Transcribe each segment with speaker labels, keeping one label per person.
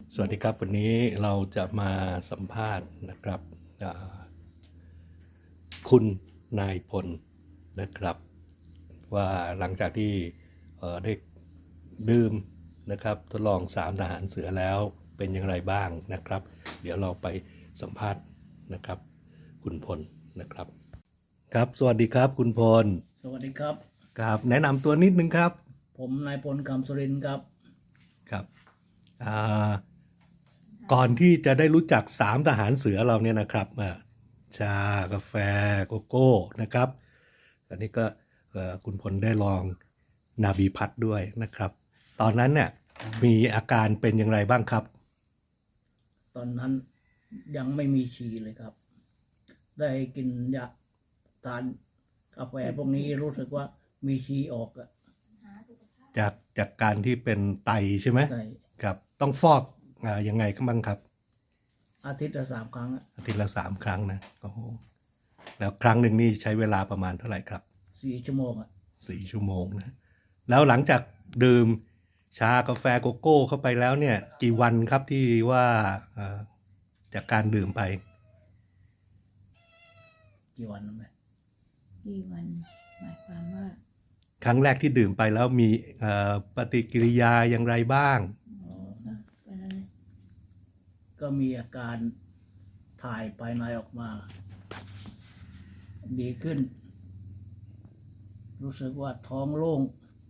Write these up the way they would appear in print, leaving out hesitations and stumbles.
Speaker 1: สวัสดีครับวันนี้เราจะมาสัมภาษณ์นะครับคุณนายพลนะครับว่าหลังจากที่ได้ดื่มนะครับทดลอง3ทหารเสือแล้วเป็นอย่างไรบ้างนะครับเดี๋ยวเราไปสัมภาษณ์นะครับคุณพลนะครับครับสวัสดีครับคุณพล
Speaker 2: สวัสดีครับ
Speaker 1: ครับแนะนำตัวนิดนึงครับ
Speaker 2: ผมนายพลคำสุรินทร์ครับ
Speaker 1: ครับก่อนที่จะได้รู้จัก3ทหารเสือเราเนี่ยนะครับชากาแฟโกโก้นะครับอันนี้ก็คุณพลได้ลองนาบีพัดด้วยนะครับตอนนั้นเนี่ยมีอาการเป็นอย่างไรบ้างครับ
Speaker 2: ตอนนั้นยังไม่มีฉี่เลยครับได้กินยาทานกาแฟพวกนี้รู้สึกว่ามีฉี่ออกอะ
Speaker 1: จากการที่เป็นไตใช่ไหม
Speaker 2: ใช่
Speaker 1: ครับต้องฟอกยังไงบ้างครับ
Speaker 2: อาทิตย์ละ3 ครั้ง
Speaker 1: อาทิตย์ละ3 ครั้งนะโอ้โหแล้วครั้งหนึ่งนี่ใช้เวลาประมาณเท่าไหร่ครับ
Speaker 2: 4 ชั่วโมง
Speaker 1: 4 ชั่วโมงนะแล้วหลังจากดื่มชากาแฟโกโก้เข้าไปแล้วเนี่ยกี่วันครับที่ว่าจากการดื่มไป
Speaker 2: กี่วันไหม
Speaker 3: กี่วันหมายความว่า
Speaker 1: ครั้งแรกที่ดื่มไปแล้วมีปฏิกิริยาอย่างไรบ้าง
Speaker 2: ก็มีอาการถ่ายภายในออกมาดีขึ้นรู้สึกว่าท้องโล่ง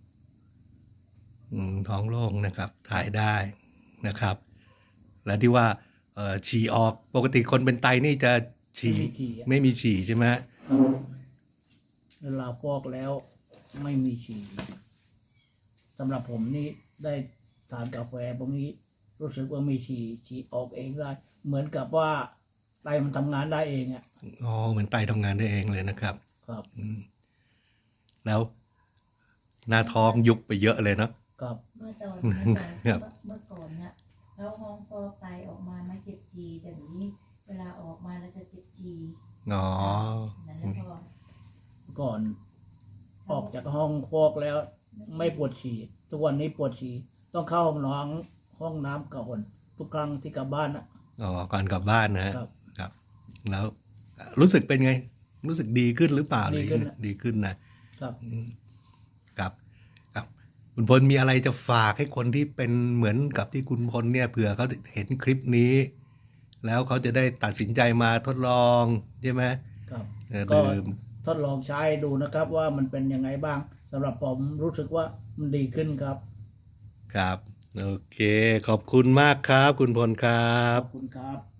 Speaker 1: ท้องโล่งนะครับถ่ายได้นะครับและที่ว่าฉี่ออกปกติคนเป็นไตนี่จะฉี่ไม่มีฉี่ใช่ไหม
Speaker 2: เวลาฟอกแล้วไม่มีฉี่สำหรับผมนี่ได้ทานกาแฟพวกนี้รู้สึกว่ามีฉี่ออกเองได้เหมือนกับว่าไตมันทำงานได้เองอ่ะ
Speaker 1: อ๋อเหมือนไตทำงานได้เองเลยนะครับ
Speaker 2: ครับ
Speaker 1: แล้วหน้าท้องยุบไปเยอะเลยเนาะ
Speaker 3: ครับเมื่อก่อนเนี่ยแล้วห้องฟอกไตออกมาไม่เจ็บจีแต่นี้เวลาออกมาแล้วจะเจ็บจี
Speaker 1: อ๋อ
Speaker 3: นั่นแล้ว
Speaker 2: ก่อนออกจากห้องฟอกแล้วไม่ปวดฉี่ทุกวันนี้ปวดฉี่ต้องเข้าห้องน้ำก่อนทุกครั้งที่กลับบ้านนะ
Speaker 1: อ๋อก่อนกลับบ้านนะครับแล้วรู้สึกเป็นไงรู้สึกดีขึ้นหรือเปล่าดีขึ้นนะครับครับคุณพลมีอะไรจะฝากให้คนที่เป็นเหมือนกับที่คุณพลเนี่ยเผื่อเขาเห็นคลิปนี้แล้วเขาจะได้ตัดสินใจมาทดลองใช่ไหม
Speaker 2: ครับก็ทดลองใช้ดูนะครับว่ามันเป็นยังไงบ้างสำหรับผมรู้สึกว่ามันดีขึ้นครับ
Speaker 1: ครับโอเคขอบคุณมากครับคุณพลครับ
Speaker 2: ขอบคุณครับ